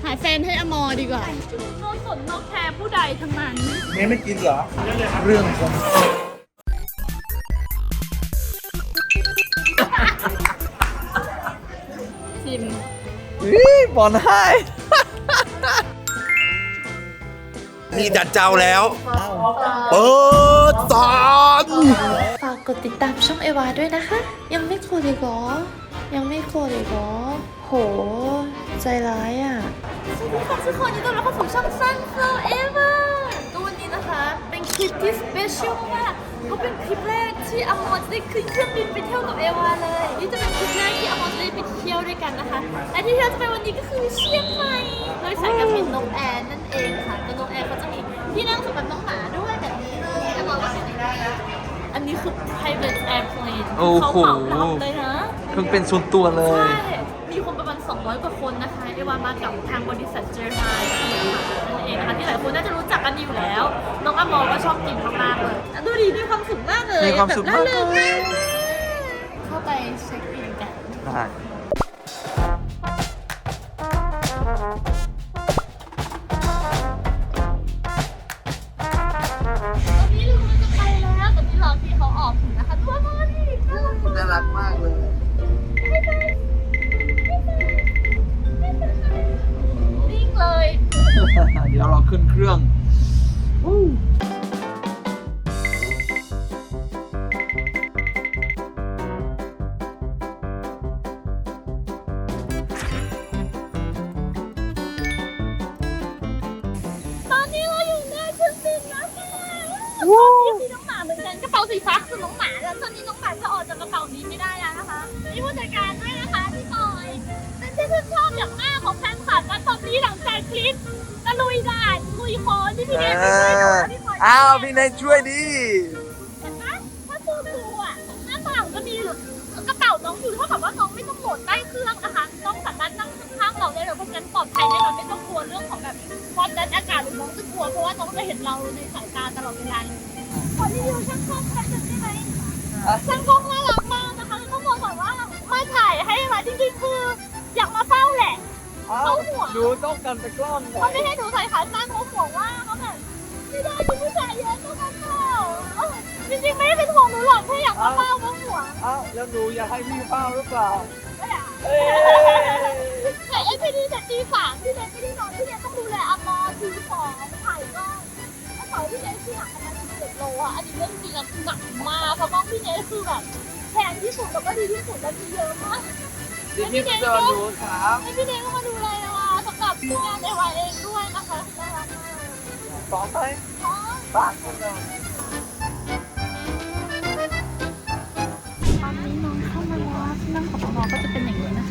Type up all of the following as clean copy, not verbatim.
หาแฟนให้อมอดีกว่าโนสนนกแคร์ผู้ใดทั้งนั้นเมย์ไม่กินเหรอเรื่องของชิมบอลให้มีดัดเจ้าแล้วเปิดตอนฝากกดติดตามช่องเอวาด้วยนะคะยังไม่กดอีกเหรอโหใจร้ายอ่ะสวัสดีค่ะทุกคนยินดีต้อนรับเข้าสู่ช่อง Sunflower ตัววันนี้นะคะเป็นคลิปที่สเปเชียลมากเพราะเป็นคลิปแรกที่อมรจะได้ขึ้นเครื่องบินไปเที่ยวกับเอวาเลยนี่จะเป็นคลิปแรกที่อมรจะได้ไปเที่ยวด้วยกันนะคะและที่เราจะไปวันนี้ก็คือเชียงใหม่โดยสายการบินนกแอร์นั่นเองค่ะตัวนกแอร์เขาจะมีที่นั่งสำหรับน้องหมาด้วยแบบนี้เลยอมรก็เป็นอย่างนี้อันนี้คือ private airplane เขาเหมาลำเลยนะเพิ่งเป็นส่วนตัวเลยใช่มีคนประมาณ200 กว่าคนนะคะเอวามากับทางบริษัทเจอร์ไนนั่นเองนะคะที่หลายคนน่าจะรู้จักกันอยู่แล้วน้องอมรก็ชอบกินมากๆเลยดูดิมีความสุขมากเลยมีความสุขมากเลยเข้าไปเช็คอินกันได้น่ารักมากเลยนิ่งเลยเดี๋ยวเราขึ้นเครื่องตอนนี้เราอยู่ในเครื่องบินแล้วค่ะตอนนี้มีน้องหมาเหมือนกันกระเป๋าสีฟ้าคือน้องหมาแล้วตอนนี้น้องหมาจะออกจากกระเป๋านี้ไม่ได้แล้วนะคะมีผู้จัดการด้วยนะคะพี่บอยเป็นที่ชื่นชอบอย่างมากของแฟนคลับและตอนนี้หลังจากคลิปตะลุยด่านลุยโค้งที่พี่เนยไปช่วยหนูพี่บอยอ้าวพี่เนยช่วยดิเห็นไหมถ้าดูอ่ะหน้าต่างก็มีกระเป๋าน้องอยู่เท่ากับว่าน้องไม่ต้องโหลดใต้เครื่องนะคะน้องสามารถนั่งข้างเราได้เลยเพราะฉะนั้นปลอดภัยแน่นอนไม่ต้องกลัวเรื่องของแบบความดันอากาศหรือน้องจะกลัวเพราะว่าน้องจะเห็นเราในสายตาตลอดเวลาเลยขอรีวิวช่างกล้องแป๊บนึงได้ไหมช่างกล้องน่ารักมากนะคะต้องบอกก่อนว่ามาถ่ายให้มาจริงๆคืออยากมาเฝ้าแหละเขาห่วงดูต้องกันไปกล้องเขาไม่ให้หนูใส่ขาสั้นเขาห่วงว่าเขาแบบไม่ได้มีผู้ชายเยอะต้องมาเฝ้าจริงๆไม่ได้เป็นห่วงหนูหรอกแค่อยากมาเฝ้าก็ห่วงแล้วหนูอยากให้พี่เฝ้าหรือเปล่าแต่ไอ้พี่นี่แต่ตี3พี่เนยไม่ได้นอนพี่เนยต้องดูแลอมอถือของถ่ายกล้องกระเป๋าพี่เนยที่หนักประมาณ17 โลอ่ะอันนี้เรื่องจริงอ่ะหนักมากเพราะว่าพี่เนยคือแบบแพงที่สุดแล้วก็ดีที่สุดแล้วมีเยอะมากพี่เนยก็ดูครับให้พี่เนยก็มาดูแลนะคะสำหรับงานในวันเองด้วยนะคะน่ารักมากต่อไปบ้านคนเราตอนนี้น้องเข้ามาแล้วที่นั่งของน้องก็จะเป็นอย่างนี้นะ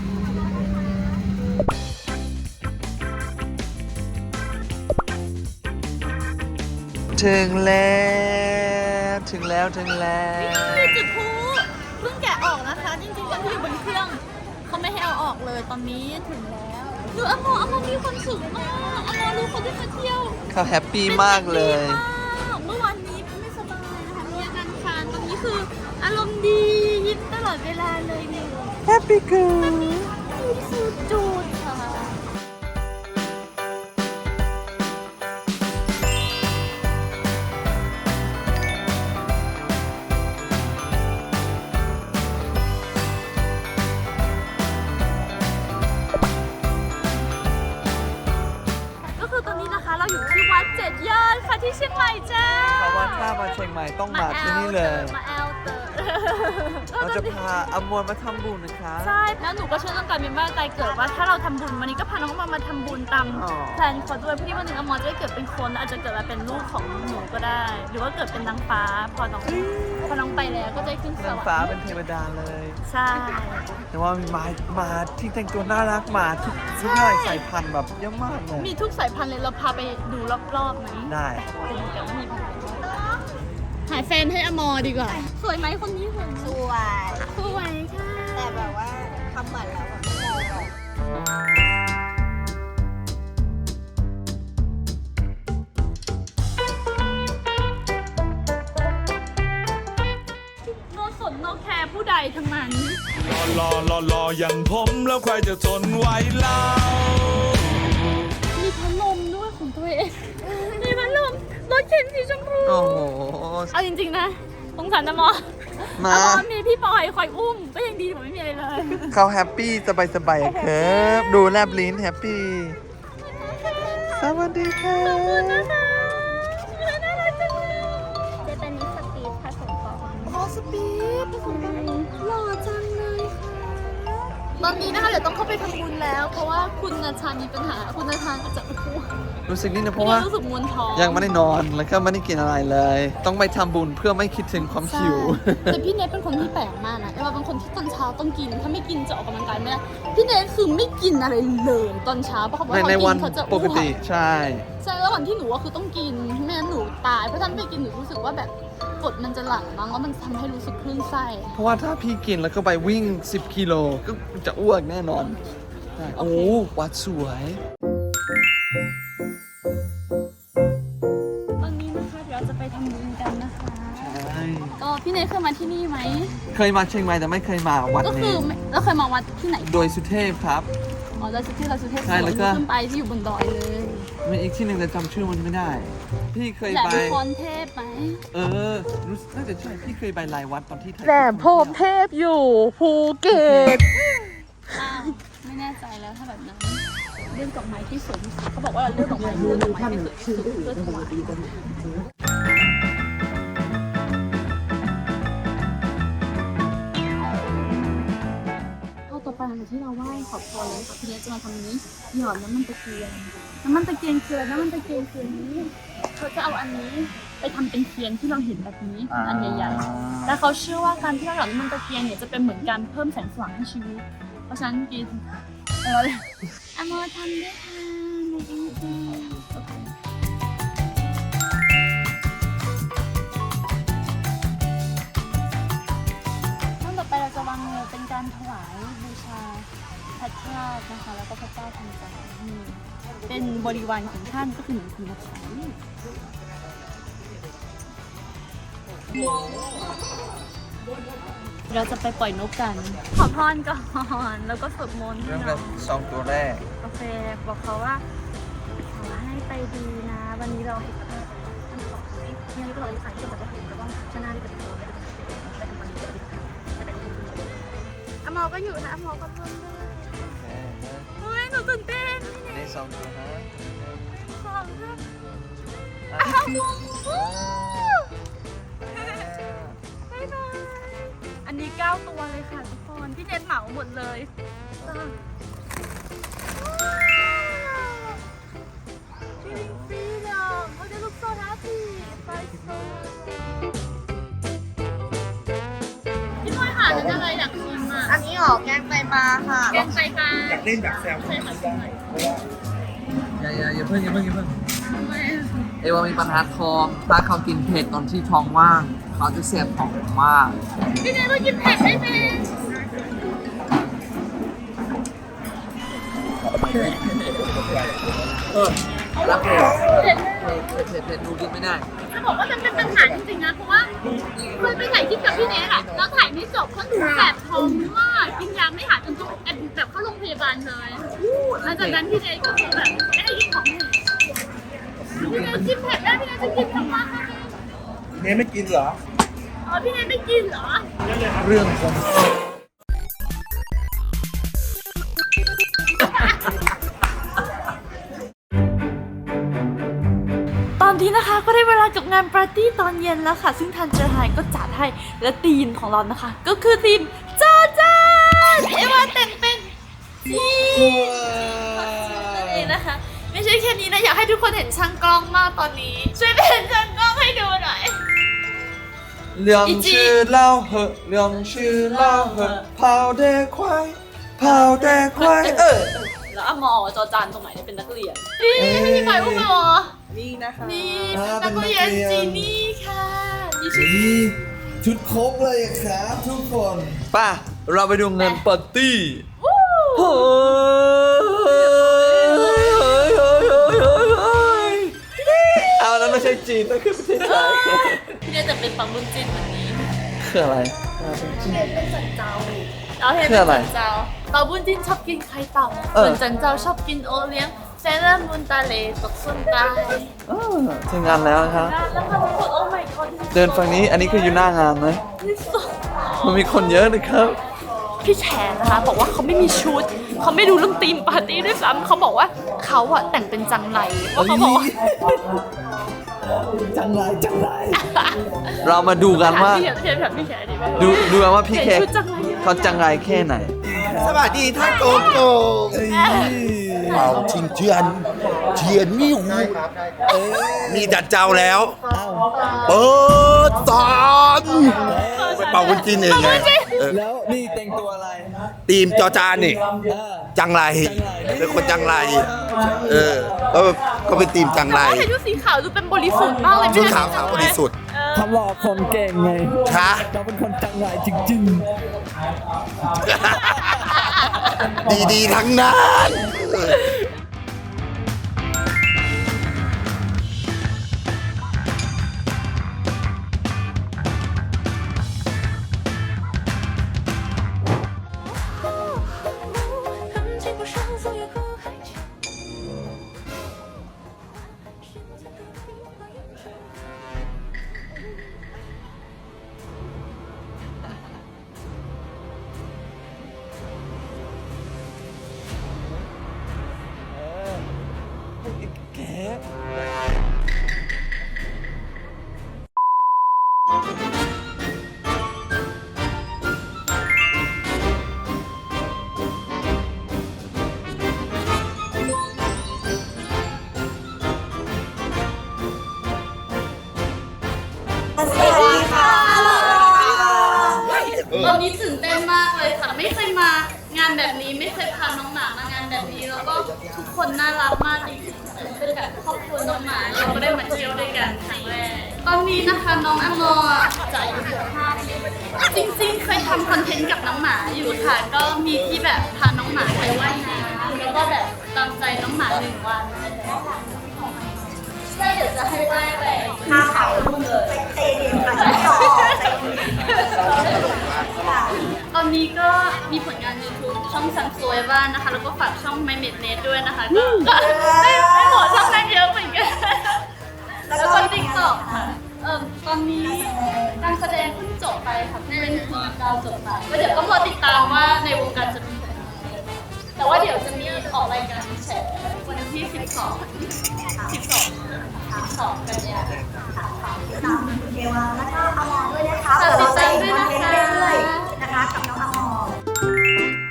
ถึงแล้วจุดพลุเพิ่งแกะออกนะคะจริงๆตอนที่อยู่บนเครื่องเขาไม่ให้เอาออกเลยตอนนี้ถึงแล้วดูอมอมีความสุขมากอมอรู้คนที่มาเที่ยวเขาแฮปปี้มากเลยเมื่อวานนี้ไม่สบายนะคะมีอาการคานตอนนี้คืออารมณ์ดียิ้มตลอดเวลาเลยเนี่ยแฮปปี้เกิร์ลสุดจุดค่ะเราอยู่ที่วัด7 ยอดค่ะที่เชียงใหม่จ้าถ้าว่าถ้ามาเชียงใหม่ต้องมาที่นี่เลยมาแอลเตอร์เราจะพาอมรมาทำบุญนะคะใช่แล้วหนูก็เชื่อเรื่องการมีบ้านใจเกิดว่าถ้าเราทำบุญวันนี้ก็พาน้องมาทำบุญตามแพลนเขาด้วยเพื่อที่วันหนึ่งอมรจะได้เกิดเป็นคนอาจจะเกิดมาเป็นลูกของหนูก็ได้ หรือว่าเกิดเป็นนางฟ้าพอน้องไปแล้วก็จะขึ้นสวรรค์นางฟ้าเป็นเทวดาเลยใช่แต่ว่ามีมาที่แต่งตัวน่ารักมาทุกสายพันธุ์แบบเยอะมากเลยมีทุกสายพันธุ์เลยเราพาไปดูรอบๆไหมได้เป็นกันว่ามีหาแฟนให้อมอดีกว่าสวยไหมคนนี้สวยค่ะแต่แบบว่าทำหมันแล้วแบบไม่มองหรอกโนสนโนแคร์ผู้ใดทั้งนั้นรออย่างผมแล้วใครจะทนไหวเล่าเอาจริงๆนะสงสารนะมอมามีพี่ปอยคอยอุ้มก็ยังดีกว่าไม่มีอะไรเลยเขาแฮปปี้สบายๆครับดูแลบลิ้นแฮปปี้สวัสดีค่ะน่ารักจังเลยจะเป็นมิสปีดผสมปอโอ้สปีดหล่อจังเลยค่ะตอนนี้นะคะเดี๋ยวต้องเข้าไปทำบุญแล้ว เพราะว่าคุณนาชามีปัญหาคุณนาชาจะอ้วกรู้สึกนี่นะเพราะว่ารู้สึกมวนท้องยังไม่ได้นอนแล้วก็ไม่ได้กินอะไรเลย ต้องไปทำบุญเพื่อไม่คิดถึงความหิวแต่พี่เนทเป็นคนที่แปลกมากนะเอว่าเป็นคนที่ตอนเช้าต้องกิน ถ้าไม่กินจะออกกำลังกายไม่ได้ พี่เนทคือไม่กินอะไรเลยตอนเช้าเพราะเขาบอกว่าในเขาวันกินเขาจะปอ้วกติใช่ใช่แล้ววันที่หนูว่าคือต้องกินไม่งั้นหนูตายเพราะถ้าไม่กินหนูรู้สึกว่าแบบกรดมันจะหลั่งมั้งแล้วมันทำให้รู้สึกคลื่นไส้เพราะว่าถ้าพี่กินแล้วก็ไปวิ่ง 10 กิโลก็จะอ้วกแน่นอนใช่โอ้วัดสวยตอนนี้นะคะเดี๋ยวเราจะไปทำบุญกันนะคะใช่ก็พี่เนทเคยมาที่นี่ไหมเคยมาเชียงใหม่แต่ไม่เคยมาวัดก็คืนี้อแล้วเคยมาวัดที่ไหนโดยสุเทพครับอ๋อเราสุเทพเราสุเทพใช่แล้วก็ขึ้นไปที่อยู่บนดอยเลยมีอีกที่หนึ่งแต่จำชื่อมันไม่ได้ พี่เคยแหลมไปพรเทพไหมรู้สึกน่าจะใช่พี่เคยไปหลายวัดตอนที่ไทยแหลมพรหมเทพอยู่ภูเก็ตอ้าวไม่แน่ใจแล้วถ้าแบบนั้นเรื่องดอกไม้ที่สวยที่สุดเขาบอกว่าเราเลือกดอกไม้ที่สวยที่สุดเพื่อถวายเอาต่อไปหลังจากที่เราไหว้ขอพรแล้วค่ะพี่เนทจะมาทำนี้หยอดน้ำมันตะเกียงน้ำมันตะเกียงคืออะไรน้ำมันตะเกียงคืออันนี้เขาจะเอาอันนี้ไปทำเป็นเทียนที่เราเห็นแบบนี้อันใหญ่ๆ แล้วเขาเชื่อว่าการที่เราหยอดน้ำมันตะเกียงเนี่ยจะเป็นเหมือนการเพิ่มแสงสว่างให้ชีวิต เพราะฉะนั้นกินอโมทำด้วยค่ะในจริงขั้นต่อไปเราจะวางมือเป็นการถวายบูชาพระเจ้านะคะ แล้วก็พระเจ้าทันใจนี่เป็นบริวารของท่านก็คือเหมือนคุณนะคะ เราจะไปปล่อยนกกัน ขอพรก่อนแล้วก็สวดมนต์ให้เริ่มน้กัอบ งสองตัวแรกโอเคบอกเขาว่าขอให้ไปดีนะ วันนี้เราท่านขอให้เนี่ยเราใส่เกี่ยวกับถึงก็ต้องชนะที่เป็นตัวไปทำวันนี้ก็ได้อมอก็อยู่นะอมอก็เพิ่มด้วยโอ้ยหนูตื่นเต้นในสองตัวฮะขอบคุณอ้าวบ๊ายบายอันนี้9ตัวเลยค่ะทุกคนพี่เน็ตเหมาหมดเลยFeeling freedom. Oh, they look so happy. Bye, so. พี่น้อยหาเรื่องอะไรอยากชิมอ่ะอันนี้หรอแกงไตปลาค่ะแกงไตปลาอยากเล่นแบบแซวใช่ค่ะชิมหน่อยอย่าเพิ่งเอวามีปัญหาท้องถ้าเขากินเผ็ดตอนที่ท้องว่าง เขาจะเสียบท้องมากพี่เนยเรากินเผ็ดได้ไหมรับเผ็ดเผ็ดเผ็ดดูกินไม่ได้จะบอกว่ามันเป็นปัญหาจริงๆนะ เพราะว่าเคยไปถ่ายคลิปกับพี่เนยอะแล้วถ่ายไม่จบเพราะหนูแสบท้องมากกินยาไม่หายจนต้องแอบแบบเข้าโรงพยาบาลเลยหลังจากนั้นพี่เนยก็คือแบบไม่ได้กินของเผ็ดพี่เนยกินเผ็ดได้พี่เนยจะกินทำไมเนยไม่กินเหรออ๋อพี่เนยไม่กินเหรอเรื่องของตอนนี้นะคะก็ได้เวลากับงานปาร์ตี้ตอนเย็นแล้วค่ะ ซึ่งทางเจอไฮก็จัดให้และธีมของเรานะคะ ก็คือธีมจอจานเอวาแต่งเป็นจีนั่นเองนะคะ ไม่ใช่แค่นี้นะอยากให้ทุกคนเห็นช่างกล้องมากตอนนี้ ช่วยเป็นช่างกล้องให้ดูหน่อยเรื่องชื่อเล่าเหอะเรื่องชื่อเล่าเหอะเผาแต่ควายเผาแต่ควายแล้วอมอจอจานตรงไหนเป็นนักเรียนนี่ให้พี่ไปอุ้มไปวะนี่นะคะนี่เป็นนักเรียนจีนี่ค่ะนี่ชื่อนี่ชุดครบเลยครับทุกคนป่ะเราไปดูเงินปาร์ตี้เฮ้ยเอานั้นไม่ใช่จีนนั่นคือประเทศไทยพี่เนี่ยจะเป็นปังบุญจินวันนี้คืออะไรพี่เนี่ยเป็นสันเจ้าเราเห็นคืออะไรสันเจ้าปังบุญจินชอบกินไข่เต่าส่วนสันเจ้าชอบกินโอเลี้ยงเซเลอร์มุนตาเลตกส้นตายถึงงานแล้วนะครับแล้วค่ะทุกคนโอ้ my god เดินฝั่งนี้อันนี้คืออยู่หน้างานไหมที่สุดมันมีคนเยอะนะครับพี่แฉนะคะบอกว่าเขาไม่มีชุดเขาไม่รู้เรื่องธีมปาร์ตี้ด้วยซ้ำเขาบอกว่าเขาอะแต่งเป็นจังไรเพราะเขาบอกว่าจังไรเรามาดูกันว่าพี่แฉพี่แฉดีไหมดูกันว่าพี่แขกชุดจังไรเขาจังไรแค่ไหนสวัสดีท่านโกโก้เป่าชิงเทียนนี่หูมีดัดเจ้าแล้ว เปิดสอนไปเป่าคนจีนเองไงแล้วนี่แต่งตัวอะไรทีมจอจานนี่ จังไรเป็นคนจังไรก็เป็นทีมจังไรแต่ว่าใส่ชุดสีขาวดูเป็นบริสุทธิ์มากเลยชุดขาวขาวบริสุทธิ์ทำหล่อคนเก่งไงคะเราเป็นคนจังไรจริงดีๆทั้งนั้นๆแขกตอนนี้ตื่นเต้นมากเลยค่ะไม่เคยมางานแบบนี้ไม่เคยพาน้องหมามางานแบบนี้แล้วก็ทุกคนน่ารักมากจริงๆเป็นแบบครอบครัวน้องหมาเราก็ได้มาเที่ยวด้วยกันครั้งแรกตอนนี้นะคะน้องอโมจะอายุ15 ปีจริงๆเคยทำคอนเทนต์กับน้องหมาอยู่ค่ะก็มีที่แบบพาน้องหมาไปว่ายน้ำแล้วก็แบบตามใจน้องหมา1 วันใช่เดี๋ยวจะให้ว่ายไป5 เขาเลยตอนนี้ก็มีผลงาน YouTube ช่องซันโซเอวานะคะแล้วก็ฝากช่อง My Mate Net ด้วยนะคะก็ไม่หมดช่องนั้นเยอะเหมือนกันแล้วก็ TikTok ค่ะตอนนี้การแสดงเพิ่งจบไปค่ะเป็นทีมดาวจบไปก็เดี๋ยวต้องรอติดตามว่าในวงการจะมีผลงานอะไรบ้างแต่ว่าเดี๋ยวจะมีออกรายการแฉวันที่12กันยายนตามคุณเอวาแล้วก็อมรด้วยนะคะฝากติดตามด้วยนะคะเรื่อยๆนะคะกับน้องอมร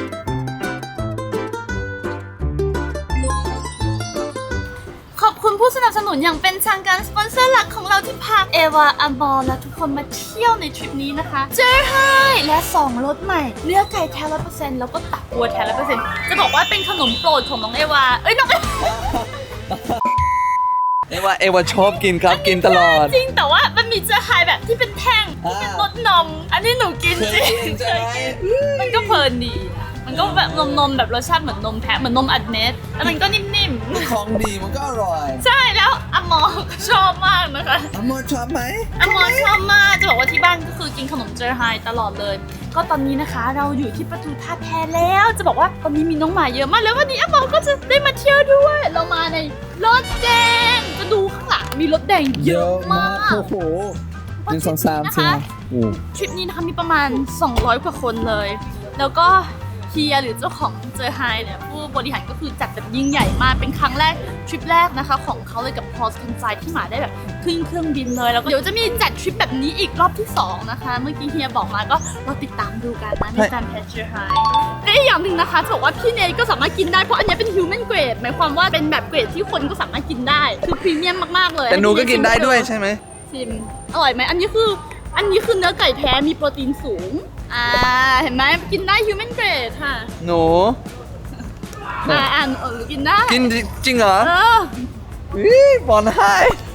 ขอบคุณผู้สนับสนุนอย่างเป็นทางการสปอนเซอร์หลักของเราที่พาเอวาอมรและทุกคนมาเที่ยวในทริปนี้นะคะเจอไฮและ2รสใหม่เนื้อไก่แท้100%แล้วก็ตับวัวแท้100%จะบอกว่าเป็นขนมโปรดของน้องเอวาน้องเอวาเอวาชอบกินครับกินตลอดจริงแต่ว่ามันมีเจอไฮแบบที่เป็นแท่งที่เป็นรสนม อันนี้หนูกินจริงเคยกินใช่ไหมมันก็เพลินดีมันก็แบบนมแบบรสชาติเหมือนนมแพะเหมือนนมอัดเม็ดแล้วมันก็นิ่มๆของดีมันก็อร่อยใช่แล้วอมอก็ชอบมากนะคะอมรชอบไหมอมอชอบมากจะบอกว่าที่บ้านก็คือกินขนมเจอไฮตลอดเลย ก็ตอนนี้นะคะเราอยู่ที่ประตูท่าแพแล้วจะบอกว่าตอนนี้มีน้องหมาเยอะมากแล้ววันนี้อมอก็จะได้มาเที่ยวด้วย เรามาในรถแดงจะดูข้างหลังมีรถแดงเยอะมากโอ้โห1 2 3 4 ทริปนี้นะคะมีประมาณ200 กว่าคนเลย แล้วก็เฮียหรือเจ้าของเจอไฮเนี่ยผู้บริหารก็คือจัดแบบยิ่งใหญ่มากเป็นครั้งแรกทริปแรกนะคะของเขาเลยกับพอสคันไซที่หมาได้แบบขึ้นเครื่องบินเลยแล้วก็เดี๋ยวจะมีจัดทริปแบบนี้อีกรอบที่2นะคะเมื่อกี้เฮียบอกมาก็เราติดตามดูกันนะในการแพชเจอร์ไฮและอีกอย่างหนึ่งนะคะจะบอกว่าพี่เนยก็สามารถกินได้เพราะอันนี้เป็นฮิวแมนเกรดหมายความว่าเป็นแบบเกรดที่คนก็สามารถกินได้คือพรีเมียมมากๆเลยแต่หนูก็กินได้ด้วยใช่ไหมชิมอร่อยไหมอันนี้คือเนื้อไก่แท้มีโปรตีนสูงเห็นไหมกินได้ human grade ค่ะหนูกินได้กินจริงเหรอ บอลให้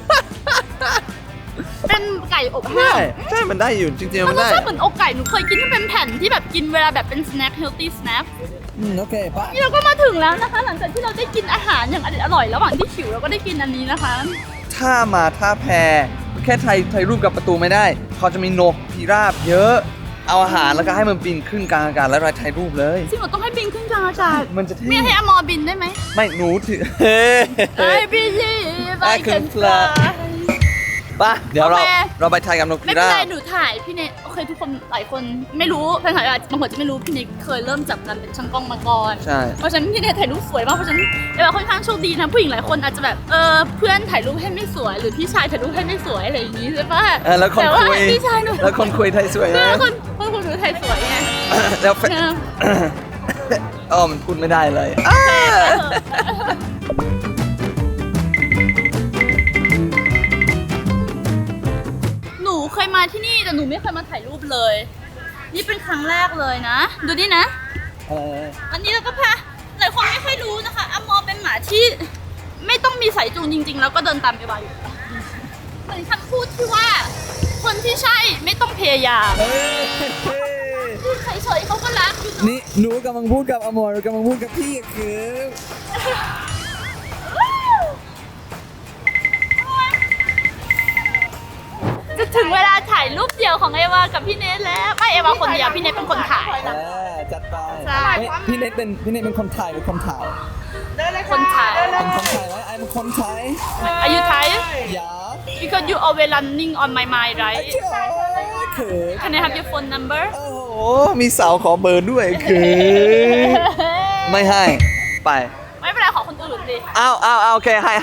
เป็นไก่อบใช่แห้งใช่มันได้อยู่จริงๆมัมัน นรสได้ชาติเหมือนอกไก่หนูเคยกินที่เป็นแผ่นที่แบบกินเวลาแบบเป็น snack healthy snack โอเคปะนี่เราก็มาถึงแล้วนะคะ หลังจากที่เราได้กินอาหารอย่างอร่อยระหว่างที่หิวเราก็ได้กินอันนี้นะคะถ้ามาท่าแพแค่ถ่ายรูปกับประตูไม่ได้ เขาจะมีนกพิราบเยอะเอาอาหารแล้วก็ให้มันบินขึ้นกลางอากาศแล้วเราถ่ายรูปเลยจริงเหรอต้องให้บินขึ้นกลางอากาศมันจะเท่ไม่ให้อมอบินได้ไหมไม่หนูถือ I believe I can fly ป่ะเดี๋ยวเราโอเคเราไปถ่ายกับนกไม่พิเป็นราไรบหนูถ่ายพี่เนทโอเคทุกคนหลายคนไม่รู้แฟนถ่ายบางคนจะไม่รู้พี่เนทเคยเริ่มจับกันเป็นช่างกล้องมาก่อนใช่เพราะฉะนั้นพี่เนทถ่ายรูปสวยมากเพราะฉะนั้นเอวาค่อนข้างโชคดีนะผู้หญิงหลายคนอาจจะแบบเพื่อนถ่ายรูปให้ไม่สวยหรือพี่ชายถ่ายรูปให้ไม่สวยอะไรอย่างนี้ใช่ปะแล้วคนแต่ว่าคุยพี่ชายหนูแล้วคนคุยไทยสวยเอนะอคนหนูถ่ายสวยไงแล้วแฟนเอออ๋อมันพูดไม่ได้เลยหนูเคยมาที่นี่แต่หนูไม่เคยมาถ่ายรูปเลย นี่เป็นครั้งแรกเลยนะ ดูนี่นะ อันนี้เราก็พาหลายคนไม่ค่อยรู้นะคะอมอเป็นหมาที่ไม่ต้องมีสายจูงจริง ๆ แล้วก็เดินตามเอวาอยู่เหมือนคำพูดที่ว่า คนที่ใช่ไม่ต้องพยายามพูดเฉยๆเขาก็รักอยู่นี่หนูกำลังพูดกับอมรกำลังพูดกับพี่คือจะถึงเวลาถ่ายรูปเดียวของเอวากับพี่เนทแล้วไม่เอวาคนเดียวพี่เนทเป็นคนถ่ายจัดไปใช่พี่เน็ตเป็นคนถ่ายหรือคนถ่ายคนถ่ายเป็นคนถ่ายแล้วไอ้เป็นคนถ่ายอายุไทยอย่า because you always running on my mind right เขิน can I have your phone number โอ้โหมีสาวขอเบอร์ด้วยคือไม่ให้ไปไม่เป็นไรขอคนอื่นดิอ้าวโอเคให้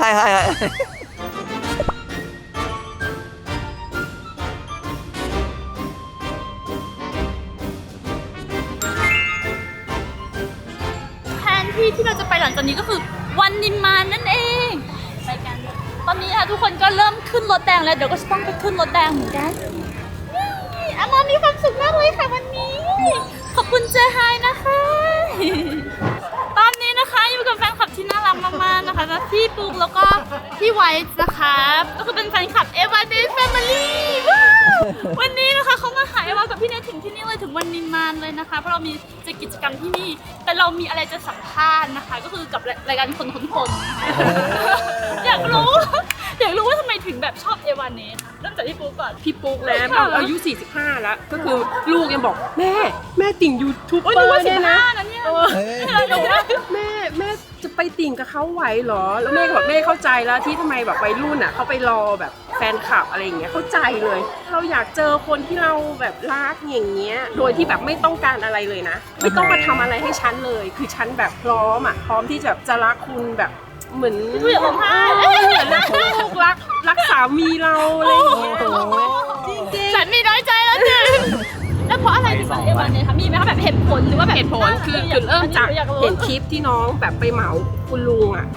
แผนที่เราจะไปหลังจากนี้ก็คือวันนิมมานนั่นเองไปกันตอนนี้ค่ะทุกคนก็เริ่มขึ้นรถแดงแล้วเดี๋ยวก็จะต้องไปขึ้นรถแดงเหมือนกันนี่อามามีความสุขมากเลยค่ะวันนี้ขอบคุณเจไฮนะคะ ตอนนี้นะคะอยู่กับแฟนคลับที่น่ารักมากๆนะคะพี่ปุ๊กแล้วก็พี่ไวท์นะคะก็คือเป็นแฟนคลับเอวาเดย์แฟมิลี่วันนี้นะคะเขามาหาเอวากับพี่เนทถึงที่นี่เลยถึงวันนิมมานเลยนะคะเพราะเรามีจะกิจกรรมที่นี่แต่เรามีอะไรจะสัมภาษณ์นะคะก็คือกับรายการคนนะคะอยากรู้ว่าทำไมถึงแบบชอบเอวาเนทเริ่มจากพี่ปุ๊กก่อนพี่ปุ๊กนะอายุ 45 แล้ว ก็คือลูกยังบอกแม่ติ่งยูทูบเบอโอ้ยนึกว่าร์เนี่ยนะ 15นะเนี่ยแม่จะไปติ่งกับเขาไหวเหรอ แล้วแม่ก็บอกแม่เข้าใจแล้วที่ทำไมแบบวัยรุ่นอ่ะเขาไปรอแบบแฟนคลับอะไรอย่างเงี้ยเข้าใจเลย เราอยากเจอคนที่เราแบบรักอย่างเงี้ยโดยที่แบบไม่ต้องการอะไรเลยนะ ไม่ต้องมาทำอะไรให้ฉันเลย คือฉันแบบพร้อมที่จะรักคุณแบบเหมือนพี่อยากร้องไห้เหมือนรักลูกรักสามีเราอะไรอย่างเงี้ยจริงๆฉันมีน้อยใจแล้วจ้ะแล้วเพราะอะไรถึงเอวาเนี่ยคะมีไหมคะแบบเหตุผลหรือว่าแบบเหตุผลคือเริ่มจากอยรู้เห็นคลิปที่น้องแบบไปเหมาคุณลุงอ่ะ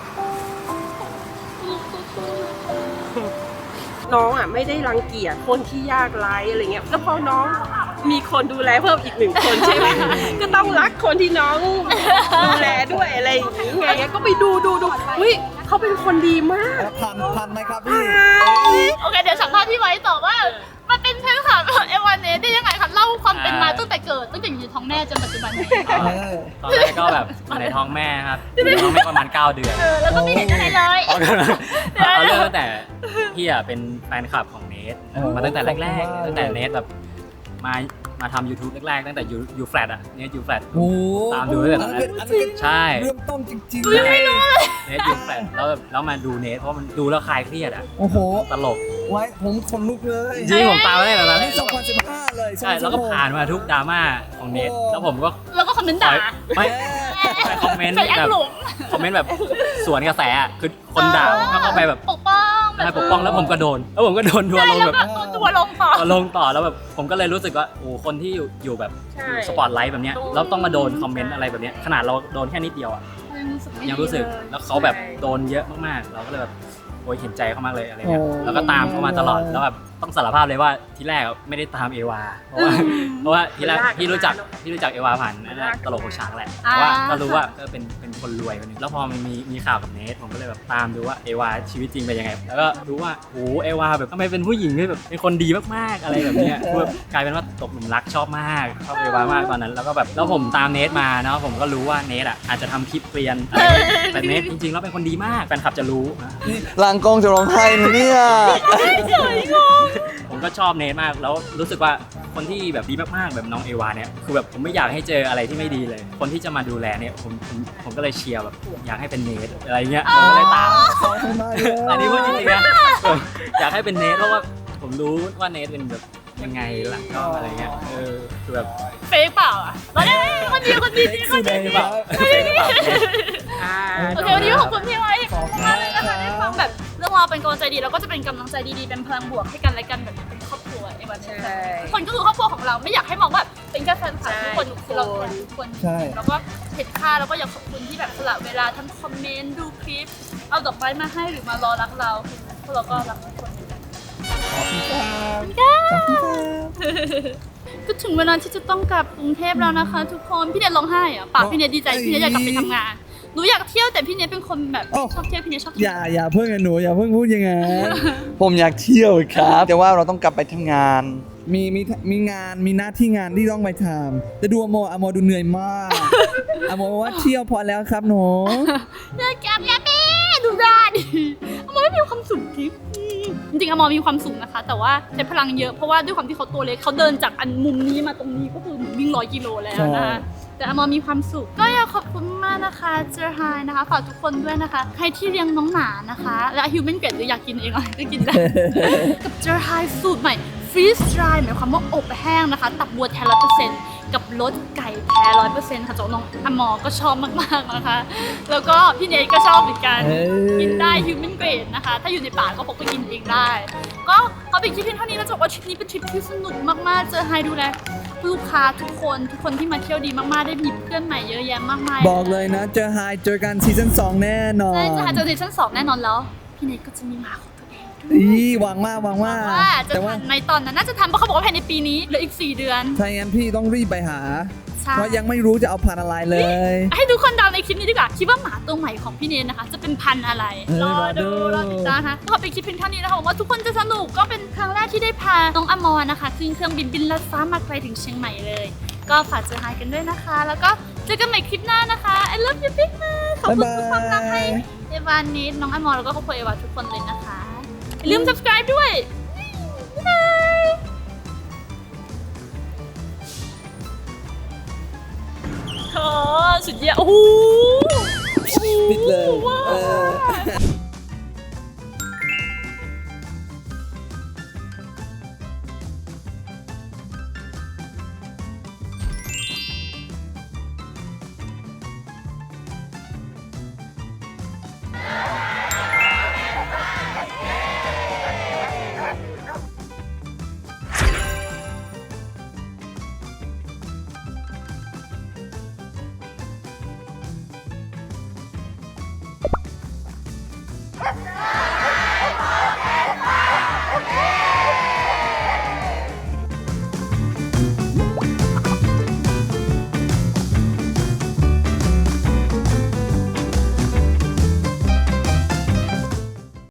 น้องอ่ะไม่ได้รังเกียจคนที่ยากไร้อะไรเงี้ยแล้วพอน้องมีคนดูแลเพิ่มอีก1 คนใช่ไหม ก็ต้องรักคนที่น้องดูแลด้วยอะไรอย่างงี้ไงก็ไปดูอุ้ยเขาเป็นคนดีมากพันไหมครับพี่โอเคเดี๋ยวสัมภาษณ์พี่ไว้ต่อว่ามันเป็นแฟนคลับเอวาเนสได้ยังไงคะเล่าความเป็นมาตั้งแต่เกิดตั้งแต่อยู่ในท้องแม่จนปัจจุบันนี้ตอนแรกก็แบบอยู่ในท้องแม่ครับอยู่ในท้องแม่ประมาณ 9 เดือนแล้วก็ไม่เห็นอะไรเลยเอาเริ่มตั้งแต่พี่อ่ะเป็นแฟนคลับของเนทมาตั้งแต่แรกๆตั้งแต่เนทแบบมาทำ YouTube แรกๆตั้งแต่ยูแฟลตอ่ะเนทยูแฟลตโอ้ตามดูตั้งแต่ตอนนั้นใช่เริ่มต้นจริงไม่รู้เลยเนทยูแฟลตแล้วมาดูเนทเพราะมันดูแล้วคลายเครียดอ่ะโอ้โหตลกไว้ผมขนลุกเลยจริงๆผมตามมาตั้งแต่ตอนนั้นนี่2015เลยใช่แล้วก็ผ่านมาทุกดราม่าของเนทแล้วผมก็แล้วก็คอมเมนต์ด่าไม่ไปคอมเมนต์ใส่แอแบบปหลงคอมเมนต์แบบสวนกระแสอ่ะคือคนด่าก็เข้าไปแบบปกป้องแบบให้ปกป้องแล้วผมก็โดนทัวร์ลงแล้วแบบก็ตัวลงต่อทัวร์ลงต่อแล้วแบบผมก็เลยรู้สึกว่าโอ้คนที่อยู่แบบใช่อยู่สปอตไลท์แบบเนี้ยแล้วต้องมาโดนคอมเมนต์อะไรแบบเนี้ยขนาดเราโดนแค่นิดเดียวอ่ะยังรู้สึกแล้วเขาแบบโดนเยอะมากๆเราก็เลยแบบโอ้ยเห็นใจเขามากเลยอะไรเงี้ยแล้วก็ตามเขามาตลอดแล้วแบบต้องสารภาพเลยว่าที่แรกไม่ได้ตามเอวาเพราะว่าที่แรกพี่รู้จักเอวาผ่านนั่นแหละตลกของช้างแหละแต่ว่าก็รู้ว่าเป็นคนรวยคนนึงแล้วพอมันมีข่าวกับเนทผมก็เลยแบบตามดูว่าเอวาชีวิตจริงเป็นยังไงแล้วก็รู้ว่าโอ้เอวาแบบทำไมเป็นผู้หญิงที่แบบเป็นคนดีมากๆอะไรแบบเนี้ยคือแบบกลายเป็นว่าตกหลุมรักชอบมากชอบเอวามากตอนนั้นแล้วก็แบบแล้วผมตามเนทมาเนาะผมก็รู้ว่าเนทอ่ะอาจจะทำคลิปเกลียนอะไรแต่เนทจริงๆแล้วเป็นคนดีมากแฟนคลับจะรู้นะลางกองจะร้องไห้นะเนี่ยผมก็ชอบเนทมากแล้วรู้สึกว่าคนที่แบบดีมากๆแบบน้องเอวาเนี่ยคือแบบผมไม่อยากให้เจออะไรที่ไม่ดีเลย คนที่จะมาดูแลเนี่ยผมก็เลยเชียร์แบบอยากให้เป็นเนทอะไรเงี้ยผมก็เลยตามอันนี้พูดจริงๆนะอยากให้เป็นเนทเพราะว่าผมรู้ว่าเนทเป็นแบบยังไงหลังกล้องอะไรเงี้ยคือแบบเฟกเปล่าอ่ะตอนนี้คนดีคนดีคนดีหรือเปล่าโอเควันนี้ขอบคุณพี่ไว้มากเลยนะคะได้ฟังแบบเรื่องราวเป็นกำลังใจดีแล้วก็จะเป็นกำลังใจดีๆเป็นพลังบวกให้กันและกันแบบเป็นครอบครัวเอวันนี้ทุกคนก็คือครอบครัวของเราไม่อยากให้มองว่าเป็นแค่แฟนคลับทุกคนคือเราทุกคนแล้วก็เห็นค่าแล้วก็อยากขอบคุณที่แบบสละเวลาทั้งคอมเมนต์ดูคลิปเอาดอกไม้มาให้หรือมารอรักเราพวกเราก็รักทุกคนเหมือนกันก็ถึงเวลาที่จะต้องกลับกรุงเทพแล้วนะคะทุกคนพี่เนทร้องไห้อะปากพี่เนทดีใจพี่เนทอยากกลับไปทำงานหนูอยากเที่ยวแต่พี่เนทเป็นคนแบบชอบเที่ยวพี่เนทชอบเที่ยวอย่าเพิ่งหนูอย่าเพิ่งพูดอย่างนั้นผมอยากเที่ยวครับ แต่ว่าเราต้องกลับไปทำงานมีงานมีหน้าที่งานที่ต้องไปทำแต่ดูอโมดูเหนื่อยมากอโมบอกว่าเที่ยวพอแล้วครับหนูเลิกแกแม่ดูได้ดิอมอไม่มีความสุขทิพย์จริงๆอมอมีความสุขนะคะแต่ว่าใช้พลังเยอะเพราะว่าด้วยความที่เขาตัวเล็กเขาเดินจากอันมุมนี้มาตรงนี้ก็คือวิ่ง100 กิโลแล้วนะคะแต่อมอมีความสุขก็อยากขอบคุณมากนะคะเจอไฮนะคะฝากทุกคนด้วยนะคะใครที่เลี้ยงน้องหมานะคะและฮิวแมนเกรดหรืออยากกินเองก็กินได้ กับเจอไฮสูตรใหม่ฟรีสไตร์หมายความว่าอบแห้งนะคะตับบัวแท้100%กับรสไก่แท้100%ค่ะจากน้องอมอก็ชอบมากๆนะคะแล้วก็พี่เนทก็ชอบเหมือนกันกินได้ฮิวแมนเกรดนะคะถ้าอยู่ในป่าก็พกไปกินเองได้ก็เขาเป็นคลิปเพียงเท่านี้แล้วจะบอกว่าทริปนี้เป็นทริปที่สนุกมากๆเจอไฮดูแลลูกค้าทุกคนที่มาเที่ยวดีมากๆได้มีเพื่อนใหม่เยอะแยะมากมายบอกเลยนะเจอไฮเจอกันซีซั่น2แน่นอนใช่จะหาเจอซีซั่น2แน่นอนแล้วพี่เนทก็จะมีหมาของตัวเองหวังมากว่าจะแต่ว่าทันในตอนนั้นน่าจะทำเพราะเขาบอกว่าภายในปีนี้เหลืออีก4 เดือนถ้าอย่างนั้นพี่ต้องรีบไปหาใช่เพราะยังไม่รู้จะเอาพันธุ์อะไรเลยให้ทุกคนเดาในคลิปนี้ดีกว่าคิดว่าหมาตัวใหม่ของพี่เนทนะคะ จะเป็นพันธุ์อะไร รอติดตามนะคะขอไปคลิปเพียงเท่านี้นะคะหวังว่าทุกคนจะสนุกก็เป็นครั้งแรกที่ได้พาน้องอมรนะคะขึ้นเครื่องบินลัดฟ้ามาไกลถึงเชียงใหม่เลย ก็ฝากเจอไฮกันด้วยนะคะ แล้วก็เจอกันใหม่คลิปหน้านะคะ I love you big มากขอบคุณทุกความรักให้เอวานิดน้องอมรแล้วก็ครอบครัวเอวาทุกคนเลยนะคะอย่าลืม subscribe ด้วยบ๊ายบายโอ้สุดยอดโอ้โหปิดเลยว้าว